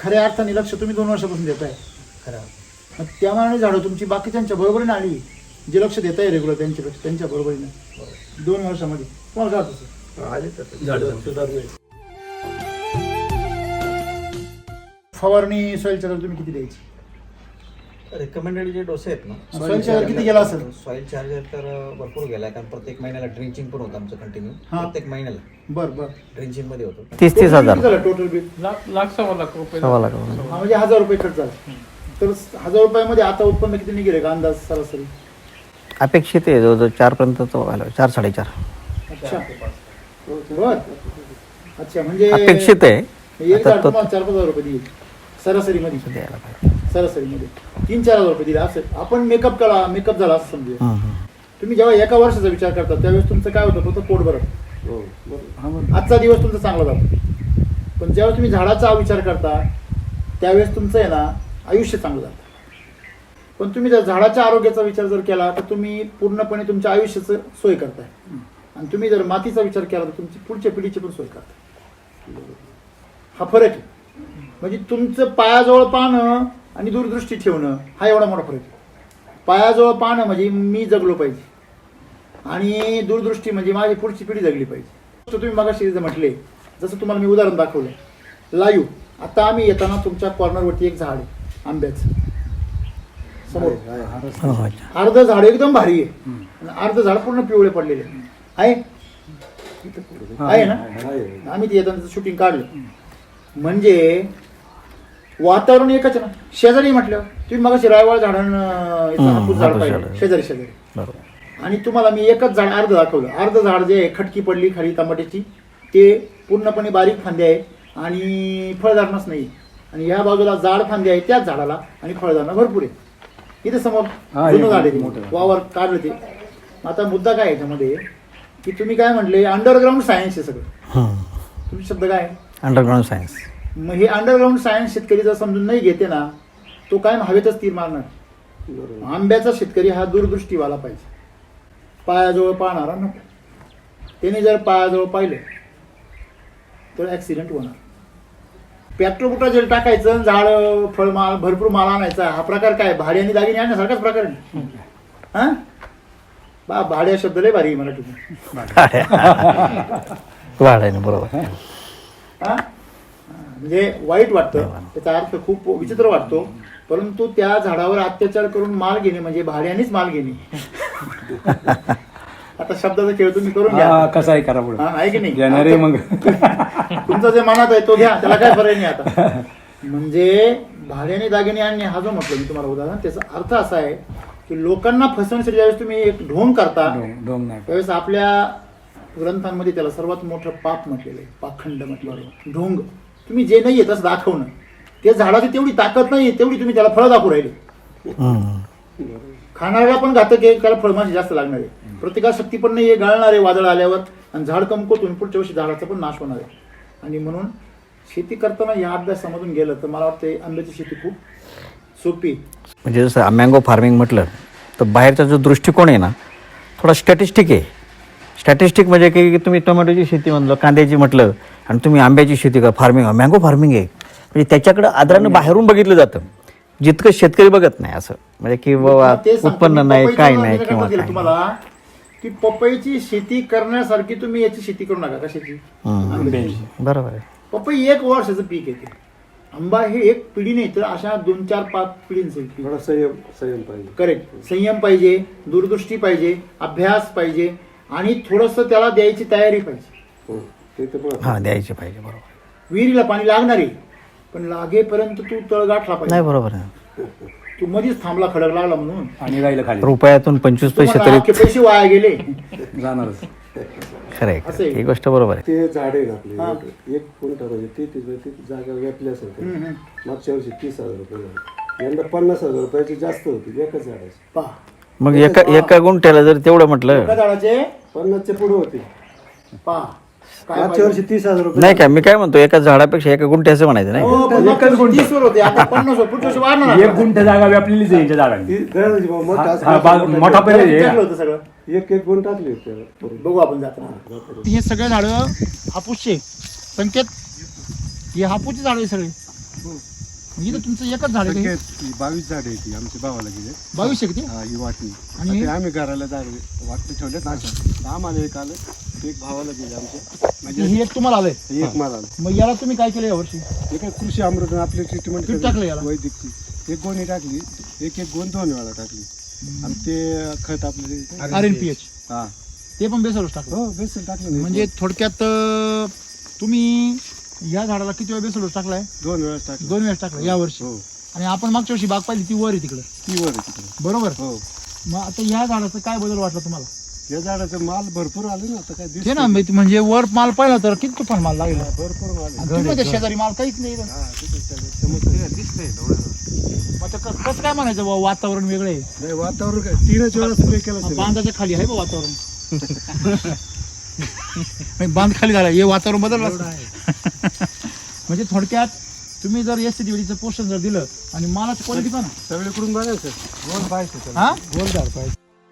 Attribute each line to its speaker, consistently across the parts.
Speaker 1: खऱ्या अर्थाने लक्ष तुम्ही 2 वर्षापासून देताय खरं. मग त्या मानाने झाडं तुमची बाकीच्यांच्या बरोबरीने आली, जे लक्ष देत आहे रेग्युलर त्यांच्या बरोबरीने 2 वर्षामध्ये. तुम्हाला काय वाटतं? फवारणी सॉइल चार्जर तुम्ही किती द्यायची?
Speaker 2: रिकमेंडेड जे डोसे आहेत ना,
Speaker 1: सॉइल चार्जर किती गेला असेल?
Speaker 2: सॉइल चार्जर तर भरपूर गेला, कारण प्रत्येक महिन्याला ड्रिंचिंग पण होतं आमचं कंटिन्यू. प्रत्येक महिन्याला
Speaker 1: बरं
Speaker 2: ड्रिंचिंग मध्ये होतं.
Speaker 3: 30-30 हजार
Speaker 1: टोटल बिल
Speaker 4: सव्वा लाख रुपये.
Speaker 1: म्हणजे 1000 रुपये खर्च झाला. तर 1000 रुपयामध्ये आता उत्पन्न किती निघेल का अंदाज सरासरी?
Speaker 3: अपेक्षित आहे जवळजवळ 4 पर्यंत तो व्हायला 4-4.5.
Speaker 1: अच्छा बर. अच्छा म्हणजे
Speaker 3: अपेक्षित आहे.
Speaker 1: एक झाड तुम्हाला 4-5 हजार रुपये देईल सरासरीमध्ये.
Speaker 3: द्यायला पाहिजे.
Speaker 1: सरासरीमध्ये 3-4 हजार रुपये दिले असं आपण मेकअप झाला असं समजूया. तुम्ही जेव्हा एका वर्षाचा विचार करता त्यावेळेस तुमचं काय होतं? फक्त पोट भरत, आजचा दिवस तुमचा चांगला जातो. पण ज्यावेळेस तुम्ही झाडाचा विचार करता त्यावेळेस तुमचं आहे ना आयुष्य चांगलं जातं. पण तुम्ही जर झाडाच्या आरोग्याचा विचार जर केला तर तुम्ही पूर्णपणे तुमच्या आयुष्याचं सोय करताय. आणि तुम्ही जर मातीचा विचार केला तर तुमची पुढच्या पिढीची पण सोय करताय. हा फरक आहे. म्हणजे तुमचं पायाजवळ पाहणं आणि दूरदृष्टी ठेवणं हा एवढा मोठा फरक आहे. पायाजवळ पाहणं म्हणजे मी जगलो पाहिजे आणि दूरदृष्टी म्हणजे माझी पुढची पिढी जगली पाहिजे. तर तुम्ही मगाशी म्हटले, जसं तुम्हाला मी उदाहरण दाखवलं लाईव्ह. आता आम्ही येताना तुमच्या कॉर्नरवरती एक झाड आहे आंब्याचं समोर. अर्ध झाड एकदम भारी आहे आणि अर्ध झाड पूर्ण पिवळे पडलेले आहे ना. आम्ही ते येताना शूटिंग काढलं. म्हणजे वातावरण एकच ना. शेजारी म्हटलं तुम्ही मग रायवाळ झाड पाहिजे शेजारी आणि तुम्हाला मी एकच झाड अर्ध दाखवलं. अर्ध झाड जे आहे खटकी पडली खाली टमाट्याची, ते पूर्णपणे बारीक फांदे आहे आणि फळधारणच नाही. आणि ह्या बाजूला जाड फांदे आहे त्याच झाडाला आणि फळधारणा भरपूर आहे. इथे समोर जुनं झाड आहे वावर काढलं ते. आता मुद्दा काय याच्यामध्ये की तुम्ही काय म्हटले अंडरग्राऊंड सायन्स आहे सगळं. तुमचे शब्द काय?
Speaker 3: Underground science.
Speaker 1: मग हे अंडरग्राऊंड सायन्स शेतकरी जर समजून नाही घेते ना तो काय हवेतच तीर मारणार. आंब्याचा शेतकरी हा दूरदृष्टीवाला पाहिजे, पायाजवळ पाहणारा नको. त्याने जर पायाजवळ पाहिलं तर ऍक्सिडेंट होणार. पेट्रोल जेल टाकायचं, झाड फळमाल भरपूर माल आणायचा, हा प्रकार काय भाडे आणि दागिने आणण्यासारखाच प्रकार आहे. हा भाड्या शब्द लय भारी मराठीतून.
Speaker 3: वाढायला बरोबर.
Speaker 1: हा म्हणजे वाईट वाटतं, त्याचा अर्थ खूप विचित्र वाटतो. परंतु त्या झाडावर अत्याचार करून माल घेणे म्हणजे भाड्यानेच माल घेणे. आता शब्दाचा खेळ तुम्ही करून घ्या
Speaker 4: कसा आहे करा पुढे
Speaker 1: आहे की नाही.
Speaker 4: मग
Speaker 1: तुमचा जे मनात आहे तो घ्या, त्याला काय फरक नाही. आता म्हणजे भाड्याने दागिने आणणे हा जो म्हटलं मी तुम्हाला उदाहरण, त्याचा अर्थ असा आहे की लोकांना फसवण्यासाठी ज्यावेळेस तुम्ही एक ढोंग करता त्यावेळेस आपल्या ग्रंथांमध्ये त्याला सर्वात मोठं पाप म्हटलेलं आहे, पाखंड म्हटलेलं आहे. ढोंग तुम्ही जे नाही आहे तसं दाखवणं. त्या झाडाची तेवढी ताकद नाही तेवढी तुम्ही त्याला फळं दाखवू राहिले. खाणाऱ्याला पण घातक आहे, त्याला फळमाशी जास्त लागणार आहे. प्रतिकारशक्ती पण नाही आहे, गाळणार आहे वादळ आल्यावर आणि झाड कमकुवत पुढच्या वर्षी झाडाचा पण नाश होणार आहे. आणि म्हणून शेती करताना या अभ्यासामधून गेलं तर मला वाटतं आंब्याची शेती खूप सोपी.
Speaker 3: म्हणजे जसं मँगो फार्मिंग म्हटलं तर बाहेरचा जो दृष्टिकोन आहे ना थोडा स्टॅटिस्टिक आहे. स्टॅटिस्टिक म्हणजे की तुम्ही टोमॅटोची शेती म्हणलं, कांद्याची म्हटलं आणि तुम्ही आंब्याची शेती का फार्मिंग मँगो फार्मिंग आहे. म्हणजे त्याच्याकडे आदरानं बाहेरून बघितलं जातं, जितकं शेतकरी बघत नाही. असं म्हणजे की बाबा उत्पन्न नाही काय नाही किंवा
Speaker 1: तुम्हाला की पपईची शेती करण्यासारखी तुम्ही याची शेती करू नका. कशाची?
Speaker 3: बरोबर आहे.
Speaker 1: पपई 1 वर्षाचं पीक येते. आंबा हे एक पिढी नाही तर अशा 2-4-5 पिढींचं
Speaker 5: संयम पाहिजे.
Speaker 1: करेक्ट. संयम पाहिजे, दूरदृष्टी पाहिजे, अभ्यास पाहिजे आणि थोडस त्याला द्यायची तयारी पाहिजे.
Speaker 3: हा द्यायची पाहिजे. बरोबर.
Speaker 1: विहिरीला पाणी लागणार आहे पण लागेपर्यंत तू तळ गाठला पाहिजे.
Speaker 3: नाही बरोबर आहे.
Speaker 1: तू मध्येच थांबला खडक लागला म्हणून
Speaker 4: आणि राहिलं खाली
Speaker 3: रुपयातून 25 पैसे तरी
Speaker 1: पैसे वाया गेले
Speaker 4: जाणारच.
Speaker 3: खरं आहे. ही गोष्ट बरोबर आहे.
Speaker 5: ते झाड आहे ना आपले 1 गुंठा म्हणजे ती जागा व्यापली असेल. मागच्या वर्षी 30,000 रुपये झाले, यंदा 50,000 रुपयाची जास्त होती एकच झाडाची.
Speaker 1: पहा
Speaker 3: मग एका गुंठ्याला जर तेवढं म्हटलं
Speaker 1: एका झाडाचे
Speaker 5: 50च्या पुढे होती.
Speaker 1: पहा
Speaker 5: मागच्या वर्षी 30,000 रुपये.
Speaker 3: नाही काय मी काय म्हणतो एका झाडापेक्षा एका गुंठ्याचं म्हणायचं नाही.
Speaker 1: 30 वर होते आता 50 वर. पुढच्या वर्षी वाढणार.
Speaker 4: 1 गुंठ जागा व्यापलेलीच आहे यांच्या झाडांनी. मोठा
Speaker 1: होतं सगळं.
Speaker 5: 1 गुंठ टाकली होती.
Speaker 1: बघू आपण जाताना. हे सगळे झाडं हापूसचे संकेत, हे हापूसचे झाड आहे सगळे. इथं तुमचं एकच झाड आहे का हे?
Speaker 5: 22 झाड आहे ती आमच्या भावाला गेले
Speaker 1: 22 आहे किती
Speaker 5: ही वाटणी
Speaker 1: आणि
Speaker 5: आणि आम्ही घराला झाड वाटणी ठेवलेत ना अशा. आम्हाला एक आलं एक भावाला गेले आमच्या म्हणजे
Speaker 1: ही एक तुम्हाला आलंय
Speaker 5: एक मला आलं
Speaker 1: मग याला तुम्ही काय केलं यावर्षी
Speaker 5: एक कृषी अमृत आपली ट्रीटमेंट
Speaker 1: किती टाकलं याला?
Speaker 5: वैदिकची एक गोणी टाकली एक गोण 2 वेळा टाकली आणि ते खत आपले
Speaker 1: RNPH
Speaker 5: हा
Speaker 1: ते पण बेसरच टाकलं
Speaker 5: हो बेसन टाकलं नाही.
Speaker 1: म्हणजे थोडक्यात तुम्ही या झाडाला किती वेळा बेसरच टाकलाय
Speaker 5: 2 वेळा टाकलं
Speaker 1: 2 वेळेस टाकलं या वर्षी
Speaker 5: हो
Speaker 1: आणि आपण मागच्या वर्षी बाग पाहिली ती वर आहे तिकडं
Speaker 5: ती वर आहे तिकडे
Speaker 1: बरोबर
Speaker 5: हो
Speaker 1: मग आता ह्या झाडाचा काय बदल वाटला तुम्हाला
Speaker 5: या झाडाचं माल भरपूर आले ना आता काय
Speaker 1: ते
Speaker 5: दिसतंय.
Speaker 1: ना म्हणजे वर माल पाहिला तर किती तुफान माल लागला
Speaker 5: भरपूर माल आहे.
Speaker 1: तुम्ही त्या शेजारी माल काहीच नाही इथं.
Speaker 5: हा, तिथं समजतंय. दिसतंय डोळ्याला.
Speaker 1: मग आता कसं काय म्हणायचं बुवा, वातावरण वेगळं आहे
Speaker 5: नाही वातावरण काय 3च वेळा स्प्रे केला सगळं.
Speaker 1: बांधाच्या खाली आहे बा वातावरण नाही, बांध खाली झाला हे वातावरण बदललं म्हणजे थोडक्यात तुम्ही जर एस सी पोषण जर दिलं आणि मालाची क्वालिटी पण
Speaker 5: सगळीकडून बघायचं गोल पाहिजे त्याला.
Speaker 1: हा गोल झाड पाहिजे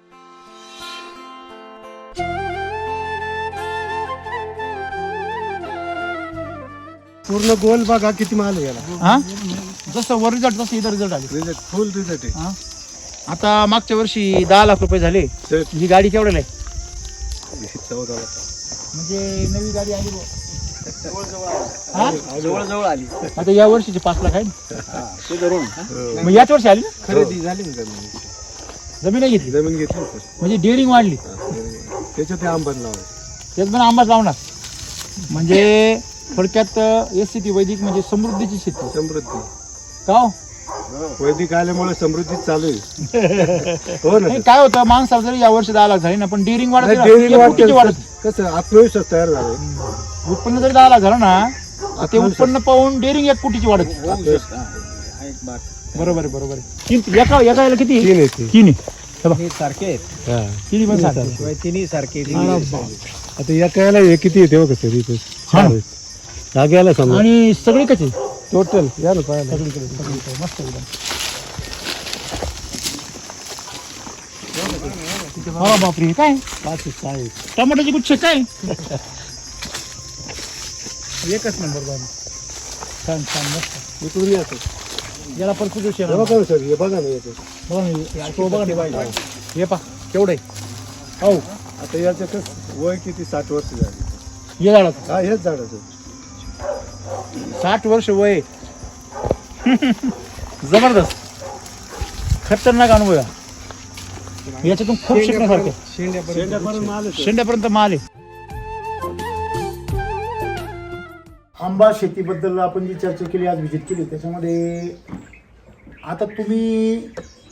Speaker 5: पूर्ण गोल बघा किती माल आहे याला
Speaker 1: हा जसं वर रिझल्ट तसं इथं रिझल्ट आले
Speaker 5: रिझल्ट फुल रिझल्ट आहे
Speaker 1: हा आता मागच्या वर्षी 10 लाख रुपये झाले
Speaker 5: तर
Speaker 1: ही गाडी केवढ्याला आहे
Speaker 5: 14 लाख.
Speaker 1: म्हणजे नवी गाडी आली बुवा. हा?
Speaker 5: जवळ आली
Speaker 1: आता या वर्षीचे 5 लाख आहे ना?
Speaker 5: ते धरून
Speaker 1: मग याच वर्षी आली ना
Speaker 5: खरेदी झाली ना जमीन
Speaker 1: जमीन नाही घेतली
Speaker 5: जमीन घेतली सर
Speaker 1: म्हणजे डेअरिंग वाढली
Speaker 5: त्याच्यात ते आंबन लावायचं
Speaker 1: त्यात पण आंबाच लावणार म्हणजे थोडक्यात SCT वैदिक म्हणजे समृद्धीची शेती
Speaker 5: समृद्धी
Speaker 1: का हो?
Speaker 5: वैदिक आल्यामुळे समृद्धी चालू आहे हो ना
Speaker 1: नाही, काय होतं माणसाला जरी या वर्षी 10 लाख झाली ना पण डेअरिंग वाढत
Speaker 5: डेअरिंग
Speaker 1: वाढत
Speaker 5: वाढत कसं आत्मविश्वास तयार झाला
Speaker 1: उत्पन्न जरी 10 लाख झालं ना ते उत्पन्न पाहून डेअरिंग 1 कोटीची वाढत बरोबर आहे बरोबर आहे एका याला किती
Speaker 5: तीन येते
Speaker 1: 3 आहे हे बघ,
Speaker 2: सारखे आहेत
Speaker 5: हा
Speaker 1: तिन्ही पण सारखे.
Speaker 2: तिन्ही सारखे
Speaker 1: अरे बाप.
Speaker 5: आता या कायला हे किती येते हो कसं इथे
Speaker 1: हा.
Speaker 5: जाग्याला समजा
Speaker 1: आणि सगळे कसे
Speaker 5: टोटल या ना पाहायला
Speaker 1: सगळीकडे मस्त एकदम हा बापरे हे काय
Speaker 5: 5
Speaker 1: टमाट्याचे गुच्छ काय एकच नंबर बाबा छान छान मस्त
Speaker 5: इकडून येतो
Speaker 1: याला पण कुठे
Speaker 5: हे बघा ना सर हे बघा ना येतो
Speaker 1: बघा ना, तो बघा ना बाई. हे पा केवढे हो
Speaker 5: आता याचं कसं वय किती 60 वर्ष झाली
Speaker 1: हे झाडाचं
Speaker 5: हा हेच झाडाचं
Speaker 1: 60 वर्ष वय जबरदस्त खतरनाक अनुभव आहे याच्यातून खूप शिकण्यासारखे
Speaker 5: शेंड्यापर्यंत माल येतो.
Speaker 1: शेंड्यापर्यंत माल आहे आंबा शेतीबद्दल आपण जी चर्चा केली आज व्हिजिट केली त्याच्यामध्ये आता तुम्ही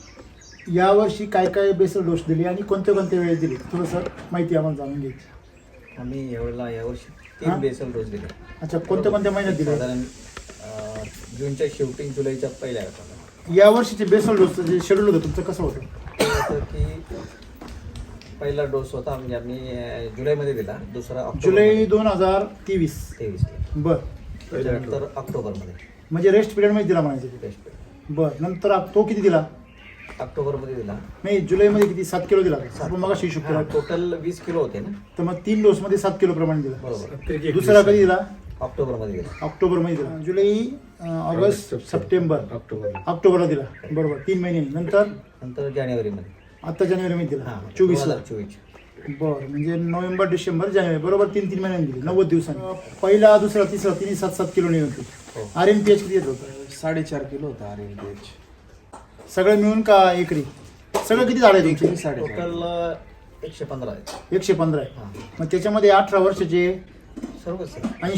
Speaker 1: यावर्षी काय काय बेसल डोस दिली आणि कोणत्या कोणत्या वेळेस दिली थोडंसं माहिती आम्हाला जाणून घ्यायची
Speaker 2: आम्ही यावर्षी
Speaker 1: हा?
Speaker 2: 3 बेसल डोस दिले
Speaker 1: अच्छा कोणत्या कोणत्या महिन्यात दिले
Speaker 2: साधारण जूनच्या शेवटी जुलैच्या पहिल्या आठवड्यात.
Speaker 1: या वर्षीचे बेसल डोसचं जे शेड्यूल होतं तुमचं कसं होतं
Speaker 2: असं की पहिला डोस होता म्हणजे आम्ही जुलैमध्ये दिला दुसरा
Speaker 1: जुलै 2023
Speaker 2: 23
Speaker 1: बर
Speaker 2: त्याच्यानंतर ऑक्टोबरमध्ये
Speaker 1: म्हणजे रेस्ट पिरियडमध्ये दिला म्हणायचं ते.
Speaker 2: बेस्ट
Speaker 1: बर नंतर तो किती दिला
Speaker 2: ऑक्टोबरमध्ये दिला
Speaker 1: नाही जुलैमध्ये किती 7 किलो दिला आपण मग हिशोब केला
Speaker 2: टोटल 20 किलो होते ना
Speaker 1: तर मग 3 डोस मध्ये 7 किलो प्रमाणे दिला
Speaker 2: बरोबर
Speaker 1: दुसरा कधी दिला
Speaker 2: ऑक्टोबरमध्ये दिला
Speaker 1: ऑक्टोबरमध्ये दिला जुलै ऑगस्ट सप्टेंबर ऑक्टोबरला दिला बरोबर 3 महिने नंतर
Speaker 2: नंतर जानेवारीमध्ये
Speaker 1: आता जानेवारीमध्ये दिला
Speaker 2: हां
Speaker 1: 24ला
Speaker 2: 2024
Speaker 1: बरं म्हणजे नोव्हेंबर डिसेंबर जानेवारी बरोबर 3 महिन्यांनी दिली 90 दिवसांनी पहिला दुसरा तिसरा तिन्ही 7-7 किलो नाही होती
Speaker 2: हो.
Speaker 1: RNPH किती येत होतं
Speaker 6: 4.5 किलो होता RNPH.
Speaker 1: सगळं मिळून का एकरी सगळं किती झाड आहे तुमचे
Speaker 2: टोटल 115 आहेत
Speaker 1: 115 आहे
Speaker 2: हां
Speaker 1: मग त्याच्यामध्ये 18 वर्षाचे
Speaker 2: सर्वच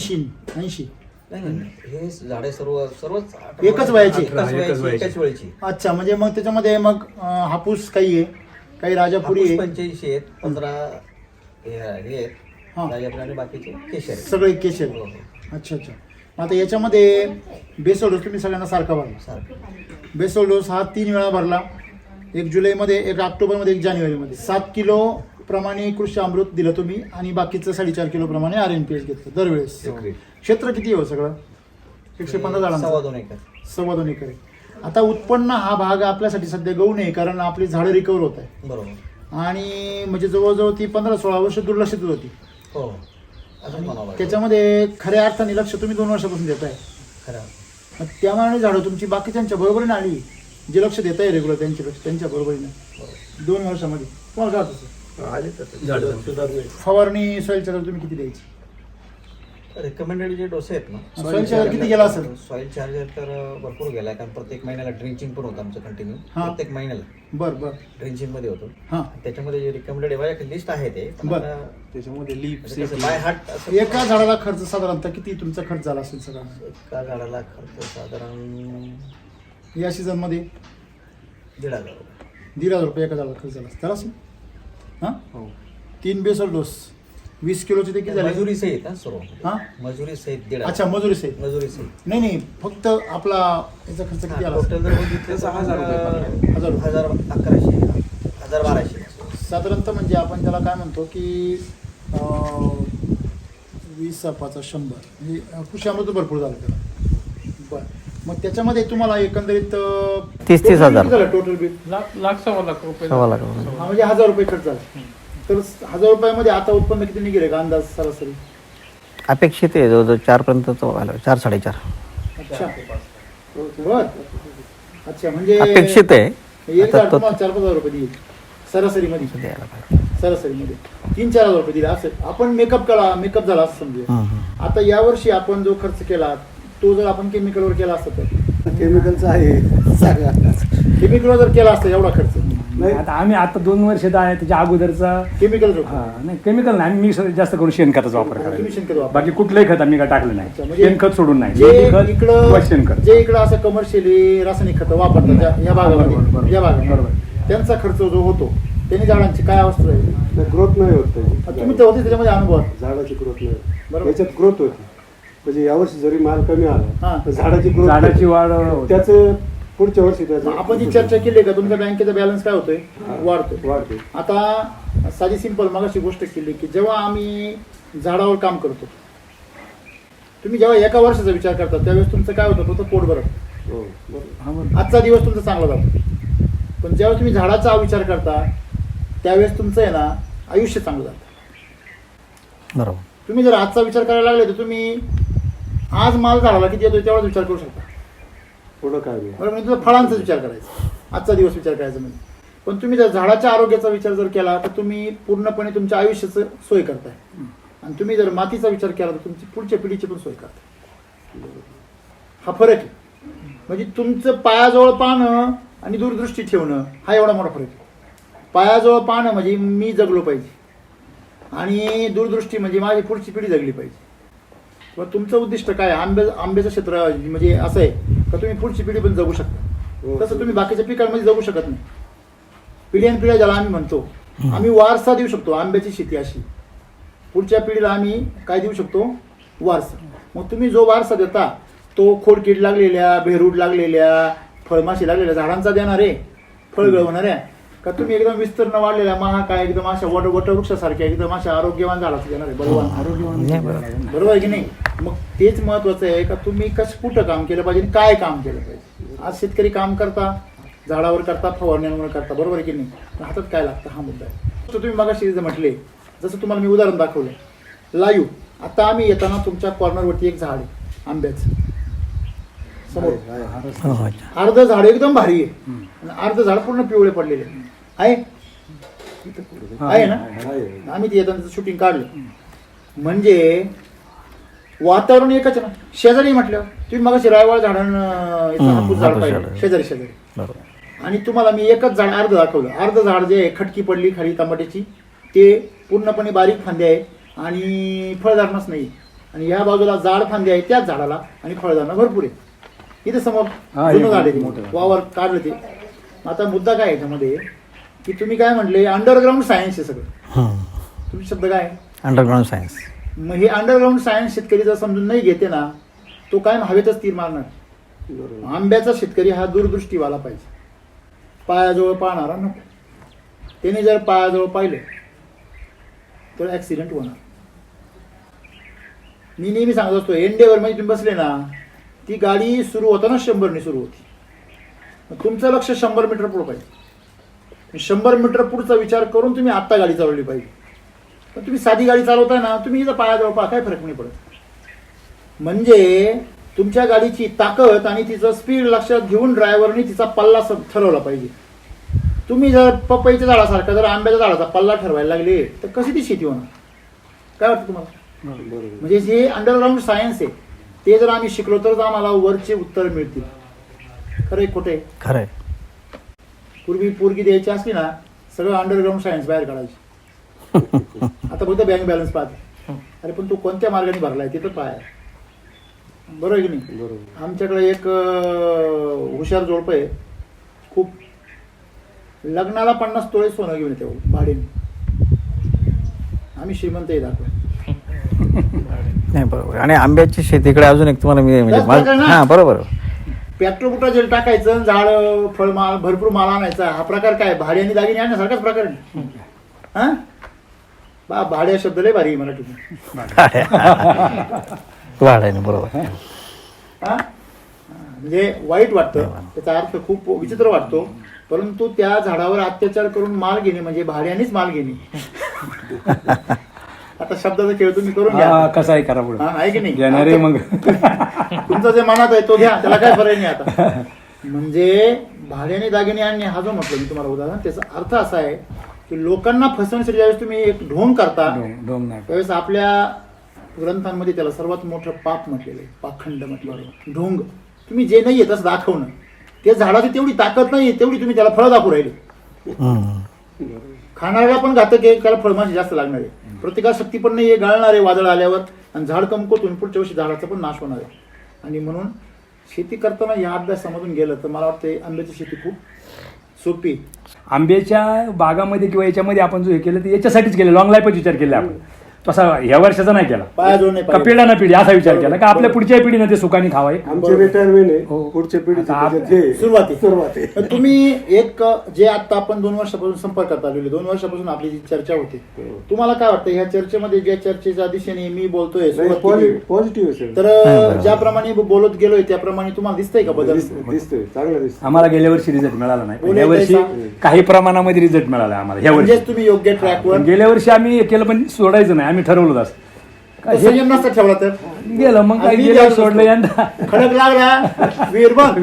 Speaker 1: 80
Speaker 2: नाही हे झाडे सर्वच
Speaker 1: एकच वयाची?
Speaker 2: एकाच वेळची
Speaker 1: अच्छा म्हणजे मग त्याच्यामध्ये मग हापूस काही आहे काही राजापुरी आहे
Speaker 2: 85 आहेत 15 हे आहेत
Speaker 1: हां.
Speaker 2: राजापुरी आणि बाकीचे केशर आहेत.
Speaker 1: सगळे केशर
Speaker 2: हो, हो.
Speaker 1: अच्छा अच्छा मग आता याच्यामध्ये बेसोल डोस तुम्ही सगळ्यांना सारखा भरला
Speaker 2: सारखं
Speaker 1: बेसोल डोस हा 3 वेळा भरला एक जुलैमध्ये एक ऑक्टोबरमध्ये एक जानेवारीमध्ये 7 किलो प्रमाणे कृषी अमृत दिलं तुम्ही आणि बाकीचं 4.5 किलो प्रमाणे RNPH घेतलं दरवेळेस क्षेत्र किती हो सगळं 115 झाडांचं
Speaker 2: 2.25 एकर
Speaker 1: 2.25 एकर आहे. आता उत्पन्न हा भाग आपल्यासाठी सध्या गहू नाही कारण आपली झाडं रिकवर होत आहे
Speaker 2: बरोबर
Speaker 1: आणि म्हणजे जवळजवळ ती 15-16 वर्ष दुर्लक्षित होती
Speaker 2: हो असं म्हणावं लागेल.
Speaker 1: त्याच्यामध्ये खऱ्या अर्थाने लक्ष तुम्ही 2 वर्षापासून देताय
Speaker 2: खरं
Speaker 1: मग त्या मानाने झाडं तुमची बाकीच्यांच्या बरोबरीने आली, जे लक्ष देत आहे रेग्युलर त्यांच्या बरोबरीने 2 वर्षामध्ये तुम्हाला काय तसं
Speaker 5: आले तर सुधारणे.
Speaker 1: फवारणी सॉईल चार्जर तुम्ही किती द्यायची?
Speaker 2: रेकमेंडेड जे डोसे आहेत ना
Speaker 1: सॉईल चार्जर किती गेला असेल?
Speaker 2: सॉईल चार्जर तर भरपूर गेला, कारण प्रत्येक महिन्याला ड्रिंचिंग पण होतं आमचं कंटिन्यू.
Speaker 1: हा.
Speaker 2: प्रत्येक महिन्याला
Speaker 1: बरं
Speaker 2: ड्रिंचिंग मध्ये होतो.
Speaker 1: हां
Speaker 2: त्याच्यामध्ये जे रिकमेंडेड आहे लिस्ट आहे ते
Speaker 1: बरं.
Speaker 6: त्याच्यामध्ये लीफ
Speaker 2: बाय हार्ट असं
Speaker 1: एका झाडाला खर्च साधारणतः किती तुमचा खर्च झाला असेल सगळा
Speaker 2: एका झाडाला खर्च साधारण
Speaker 1: या सीझन मध्ये?
Speaker 2: 1,500 रुपये.
Speaker 1: 1,500 रुपये एका झाडाला खर्च झाला त्याला असेल. हां
Speaker 6: हो
Speaker 1: 3 बेसल डोस 20 किलोचे ते किती झाले?
Speaker 2: मजुरी सहित हा सर्व
Speaker 1: हां
Speaker 2: मजुरी सहित 1,500.
Speaker 1: अच्छा मजुरी सहित.
Speaker 2: मजुरी सहित
Speaker 1: नाही फक्त आपला याचा खर्च किती आला?
Speaker 2: टोटल जर बघितलं तर
Speaker 6: 1,000 रुपये.
Speaker 1: 1,000 रुपये.
Speaker 2: 1,1100 1,1200.
Speaker 1: साधारणतः म्हणजे आपण त्याला काय म्हणतो की 20 5 100 म्हणजे कृषी अमृत भरपूर झालं त्याला. बरं मग त्याच्यामध्ये तुम्हाला एकंदरीत
Speaker 3: 30-30 हजार.
Speaker 1: टोटल बिल
Speaker 4: लाख सव्वा लाख रुपये.
Speaker 3: सव्वा लाख रुपये.
Speaker 1: म्हणजे 1,000 रुपये खर्च झाला. तर 1,000 रुपयामध्ये आता उत्पन्न किती निघेल का अंदाज सरासरी?
Speaker 3: अपेक्षित आहे जवळजवळ 4 पर्यंत व्हायला 4 4.5.
Speaker 1: अच्छा बर अच्छा म्हणजे
Speaker 3: अपेक्षित आहे.
Speaker 1: एक
Speaker 3: आता
Speaker 1: झाड
Speaker 3: तो
Speaker 1: तुम्हाला 4-5 रुपये देईल सरासरीमध्ये.
Speaker 3: द्यायला पाहिजे.
Speaker 1: सरासरीमध्ये 3-4 रुपये दिले असं आपण मेकअप झाला असं समजूया.
Speaker 3: हं, हं.
Speaker 1: आता यावर्षी आपण जो खर्च केला तो जर आपण केमिकलवर केला असता तर
Speaker 5: केमिकलचं आहे सांगा.
Speaker 1: केमिकलवर जर केला असता एवढा खर्च
Speaker 5: नाही
Speaker 4: आता आम्ही आता 2 वर्ष आहे त्याच्या अगोदरचा
Speaker 1: केमिकल
Speaker 4: नाही केमिकल नाही, आम्ही जास्त करून शेणखताचा वापर
Speaker 1: तुम्ही शेणखत
Speaker 4: करायला.
Speaker 1: वापरा.
Speaker 4: बाकी कुठलंही खत आम्ही काय टाकलं
Speaker 1: अच्छा,
Speaker 4: नाही.
Speaker 1: म्हणजे
Speaker 4: शेणखत सोडून नाही.
Speaker 1: जे
Speaker 4: खत
Speaker 1: इकडं
Speaker 4: व शेणखत.
Speaker 1: जे इकडं असं कमर्शियली रासायनिक खतं वापरतात या भागामध्ये
Speaker 4: बरोबर.
Speaker 1: या भागामध्ये
Speaker 4: बरोबर.
Speaker 1: त्यांचा खर्च जो होतो त्यांनी झाडांची काय अवस्था आहे?
Speaker 5: ग्रोथ नाही होत त्याची.
Speaker 1: तुम्ही तर होते त्याच्यामध्ये अनुभव
Speaker 5: झाडाची ग्रोथ नाही
Speaker 1: बरोबर.
Speaker 5: याच्यात ग्रोथ होती. म्हणजे यावर्षी जरी माल कमी
Speaker 1: हा.
Speaker 5: आला तर झाडाची ग्रोथ
Speaker 4: झाडाची वाढ होते.
Speaker 5: त्याचं पुढच्या वर्षी त्याचं
Speaker 1: आपण जी चर्चा केली का तुमच्या बँकेचा बॅलन्स काय होतोय? वाढतोय.
Speaker 5: वाढते.
Speaker 1: आता साधी सिंपल मगाशी गोष्ट केली की जेव्हा आम्ही झाडावर काम करतो तुम्ही जेव्हा एका वर्षाचा विचार करता त्यावेळेस तुमचं काय होतं? फक्त पोट भरत.
Speaker 5: हो बरोबर.
Speaker 4: हा, बरोबर.
Speaker 1: आजचा दिवस तुमचा चांगला जातो. पण जेव्हा तुम्ही झाडाचा विचार करता त्यावेळेस तुमचं आहे ना आयुष्य चांगलं जातं.
Speaker 3: बरोबर.
Speaker 1: तुम्ही जर आजचा विचार करायला लागले तर तुम्ही आज माल झाडाला किती येतोय तेवढाच विचार करू शकता.
Speaker 5: पुढं काय नाही.
Speaker 1: बरोबर म्हणजे तुला फळांचा विचार करायचा आजचा दिवस विचार करायचा म्हणजे. पण तुम्ही जर झाडाच्या आरोग्याचा विचार जर केला तर तुम्ही पूर्णपणे तुमच्या आयुष्याचं सोय करताय. आणि तुम्ही जर मातीचा विचार केला तर तुमची पुढच्या पिढीची पण सोय करताय. हा फरक आहे. म्हणजे तुमचं पायाजवळ पाहणं आणि दूरदृष्टी ठेवणं हा एवढा मोठा फरक आहे. पायाजवळ पाहणं म्हणजे मी जगलो पाहिजे आणि दूरदृष्टी म्हणजे माझी पुढची पिढी जगली पाहिजे. किंवा तुमचं उद्दिष्ट काय आंब्याचं क्षेत्र म्हणजे असं आहे का तुम्ही पुढची पिढी पण जगू शकता. तसं तुम्ही बाकीच्या पिकांमध्ये जगू शकत नाही. पिढ्यानपिढ्या ज्याला आम्ही म्हणतो आम्ही वारसा देऊ शकतो. आंब्याची शेती अशी पुढच्या पिढीला आम्ही काय देऊ शकतो? वारसा. मग तुम्ही जो वारसा देता तो खोडकीड लागलेल्या बेरूड लागलेल्या फळमाशी लागलेल्या झाडांचा देणार आहे फळ गळवणाऱ्या का तुम्ही एकदम विस्तीर्ण वाढलेल्या महाकाय एकदम अशा वटवृक्षासारख्या एकदम अशा आरोग्यवान झाडाचं देणार आहे? बरोबर. बरोबर आहे की नाही? मग तेच महत्वाचं आहे का तुम्ही कुठं काम केलं पाहिजे काय काम केलं पाहिजे. आज शेतकरी काम करता झाडावर करता फवारण्यांवर करता बरोबर आहे की नाही? पण हातात काय लागतं हा मुद्दा आहे. तुम्ही मगाशी म्हटले जसं तुम्हाला मी उदाहरण दाखवलं लाईव्ह. आता आम्ही येताना तुमच्या कॉर्नरवरती एक झाड आहे आंब्याचं समोर.
Speaker 3: हो, हो.
Speaker 1: अर्ध झाड एकदम भारी आहे आणि अर्ध झाड पूर्ण पिवळे पडलेले आहे ना? आम्ही ते येताना शूटिंग काढलं. म्हणजे वातावरण एकच आहे ना. शेजारी म्हटल्यावर तुम्ही मगाशी रायवाळ हापूस झाड पाहिजे शेजारी शेजारी.
Speaker 3: बरोबर.
Speaker 1: आणि तुम्हाला मी एकच झाड अर्ध दाखवलं. अर्ध झाड जे आहे खटकी पडली खाली टमाट्याची ते पूर्णपणे बारीक फांदे आहेत आणि फळधारणच नाही. आणि ह्या बाजूला जाड फांदे आहेत त्याच झाडाला आणि फळधारणा भरपूर आहे. इथे समोर जुनं झाड आहे वावर काढलं ते. आता मुद्दा काय याच्यामध्ये की तुम्ही काय म्हटले अंडरग्राऊंड सायन्स आहे सगळं.
Speaker 3: हं.
Speaker 1: तुमचे शब्द काय?
Speaker 3: Underground science.
Speaker 1: मग हे अंडरग्राऊंड सायन्स शेतकरी जर समजून नाही घेते ना तो काय हवेतच तीर मारणार. आंब्याचा शेतकरी हा दूरदृष्टीवाला पाहिजे. पायाजवळ पाहणारा नको. त्याने जर पायाजवळ पाहिलं तर ऍक्सिडेंट होणार. मी नेहमी सांगत असतो एंडेवर मध्ये तुम्ही बसले ना ती गाडी सुरू होताना 100ने सुरू होती. तुमचं लक्ष 100 मीटर पुढं पाहिजे. 100 मीटर पुढचा विचार करून तुम्ही आत्ता गाडी चालवली पाहिजे. पण तुम्ही साधी गाडी चालवताय ना तुम्ही इथं पायाजवळ पहा काय फरक नाही पडत. म्हणजे तुमच्या गाडीची ताकद आणि तिचं स्पीड लक्षात घेऊन ड्रायव्हरने तिचा पल्ला ठरवला पाहिजे. तुम्ही जर पपईच्या झाडासारखा जर आंब्याच्या झाडाचा पल्ला ठरवायला लागले तर कशी ती शेती होणार? काय वाटतं तुम्हाला? म्हणजे जे अंडरग्राऊंड सायन्स आहे ते जर आम्ही शिकलो तर आम्हाला वरचे उत्तर मिळतील. खरंय खोटे?
Speaker 3: खरंय.
Speaker 1: पूर्वी पोरगी द्यायची असली ना सगळं अंडरग्राऊंड सायन्स बाहेर काढायची. आता फक्त बँक बॅलन्स पाहते. अरे पण तू कोणत्या मार्गाने भरलाय ते तर पाय. बरोबर आहे की नाही?
Speaker 5: बरोबर.
Speaker 1: आमच्याकडे एक हुशार जोडप आहे. खूप लग्नाला 50 तोळे सोनं घेऊन येते भाडीने. आम्ही श्रीमंत आहे दाखव.
Speaker 3: नाही बरोबर. आणि आंब्याची शेतीकडे अजून एक तुम्हाला मी
Speaker 1: त्याच प्रकारे ना.
Speaker 3: हां बरोबर.
Speaker 1: पेट्रोल कुठं जेल टाकायचं, झाड फळ माल भरपूर माल आणायचा, हा प्रकार काय? भाडे आणि दागिने आणण्यासारखाच प्रकार आहे. हा बा भाड्या शब्द लय भारी आहे मराठीत.
Speaker 3: वाढायने बरोबर.
Speaker 1: हा म्हणजे वाईट वाटतं, त्याचा अर्थ खूप विचित्र वाटतो. परंतु त्या झाडावर अत्याचार करून माल घेणे म्हणजे भाड्यानेच माल घेणे. आता शब्दाचा खेळ तुम्ही करून घ्या.
Speaker 4: कसा आहे करा पुढे
Speaker 1: हा, आहे की नाही?
Speaker 4: घेणारे मग
Speaker 1: तुमचं जे मनात आहे तो घ्या, त्याला काय फरक नाही. आता म्हणजे भाड्याने दागिने आणणे हा जो म्हटलं मी तुम्हाला उदाहरण, त्याचा अर्थ असा आहे की लोकांना फसवण्यासाठी ज्यावेळेस तुम्ही एक ढोंग करता
Speaker 4: डोंग नाही.
Speaker 1: त्यावेळेस आपल्या ग्रंथांमध्ये त्याला सर्वात मोठं पाप म्हटलेलं आहे, पाखंड म्हटलेलं आहे. ढोंग तुम्ही जे नाहीये तसं दाखवणं. त्या झाडाची तेवढी ताकद नाही तेवढी तुम्ही त्याला फळं दाखवू राहिले. खाणाऱ्याला पण घातक आहे, त्याला फळमाशी जास्त लागणार आहे. प्रतिकारशक्ती पण नाही, गाळणार आहे वादळ आल्यावर, आणि झाड कमकुवत पुढच्या वर्षी झाडाचा पण नाश होणार आहे. आणि म्हणून शेती करताना या अभ्यासामधून गेलं तर मला वाटतं आंब्याची शेती खूप सोपी.
Speaker 4: आंब्याच्या बागामध्ये किंवा याच्यामध्ये आपण जो हे केलं ते याच्यासाठीच केलं, लॉंग लाईफच विचार केला आपण. तसा ह्या वर्षाचा नाही केला,
Speaker 1: पाया जोड नाही
Speaker 4: का
Speaker 1: पाहिजे.
Speaker 4: पिढ्या ना पिढी असा विचार केला का आपल्या पुढच्या पिढीनं ते सुखाने खावाय.
Speaker 5: आमचे रिटायरमेंट आहे,
Speaker 4: हो.
Speaker 5: पुढच्या पिढीचे
Speaker 4: आता
Speaker 5: त्याच्यात हे
Speaker 1: सुरुवाती
Speaker 5: सुरुवात आहे.
Speaker 1: तर तुम्ही एक जे आता आपण 2 वर्षापासून संपर्कात आलेले, 2 वर्षापासून आपली जी चर्चा होते, तुम्हाला काय वाटतं ह्या चर्चेमध्ये ज्या चर्चेच्या दिशेने मी बोलतोय सुरुवात केली,
Speaker 5: पॉझिटिव्ह असेल
Speaker 1: तर ज्याप्रमाणे बोलत गेलोय त्याप्रमाणे तुम्हाला दिसतंय का बदल?
Speaker 5: दिसतोय, चांगलं दिसतंय.
Speaker 4: आम्हाला गेल्या वर्षी रिझल्ट मिळाला नाही,
Speaker 1: बोलायचं
Speaker 4: या वर्षी
Speaker 1: आहे
Speaker 4: काही प्रमाणामध्ये रिझल्ट मिळाला आम्हाला ह्या वर्षी.
Speaker 1: म्हणजेच तुम्ही योग्य ट्रॅकवर
Speaker 4: गेल्या वर्षी आम्ही हे केलं पण सोडायचं नाही, आम्ही ठरवलं असं
Speaker 1: संयम नसता ठेवला तर
Speaker 4: गेलं मग काय
Speaker 1: आम्ही
Speaker 4: गेलं
Speaker 1: गेलो
Speaker 4: सोडलं
Speaker 1: असतो.
Speaker 4: यंदा
Speaker 1: खडक लागला विहीर बंद.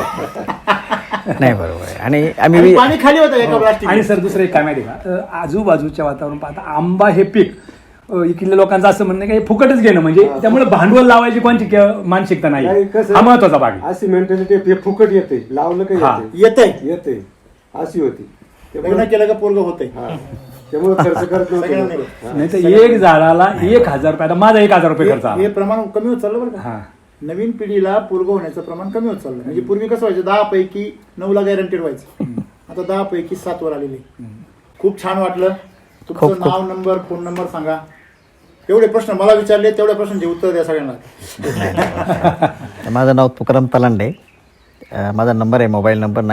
Speaker 3: नाही बरोबर आहे. आणि
Speaker 1: आणि
Speaker 3: आम्ही
Speaker 1: पाणी खाली होतं एका प्लास्टिक.
Speaker 4: आणि सर दुसरं एक काय माहिती आहे का, आजूबाजूच्या वातावरण पाहता आंबा हे पीक इकडल्या लोकांचं असं म्हणणं की हे फुकटच घेणं, म्हणजे त्यामुळे भांडवल लावायची कोणती मानसिकता
Speaker 5: नाही,
Speaker 4: नाही.
Speaker 5: कसं-
Speaker 4: हा महत्वाचा भाग आहे.
Speaker 5: अशी मेंटॅलिटी हे फुकट येते, लावलं
Speaker 4: हा.
Speaker 5: काही
Speaker 1: येतंय
Speaker 5: येते अशी होती.
Speaker 1: लग्न
Speaker 5: त्यामुळे
Speaker 1: केलं का पोरग होतंय.
Speaker 5: त्यामुळे खर्च करत
Speaker 1: सगळ्यांना
Speaker 5: नव्हतं.
Speaker 1: नाही.
Speaker 4: नाही तर एक झाडाला 1,000 रुपये, माझा 1,000 रुपये खर्च
Speaker 1: हे
Speaker 4: आला.
Speaker 1: प्रमाण कमी होत चाललं बरं का.
Speaker 4: हा.
Speaker 1: नवीन पिढीला पोरग होण्याचं प्रमाण कमी होत चाललं. म्हणजे पूर्वी कसं व्हायचं 10 पैकी 9 ला गॅरंटेड व्हायचं, आता 10 पैकी 7 वर आलेले. खूप छान वाटलं. तुमचं नाव, नंबर, फोन नंबर सांगा. एवढे प्रश्न मला विचारले, तेवढ्या प्रश्नांचे उत्तर द्या सगळ्यांना.
Speaker 3: माझं नाव तुकाराम तलांडे. माझा नंबर आहे, मोबाईल नंबर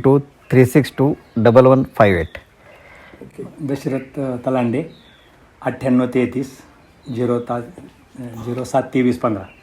Speaker 3: 9323621158.
Speaker 4: दशरथ तलांडे 9833 072315.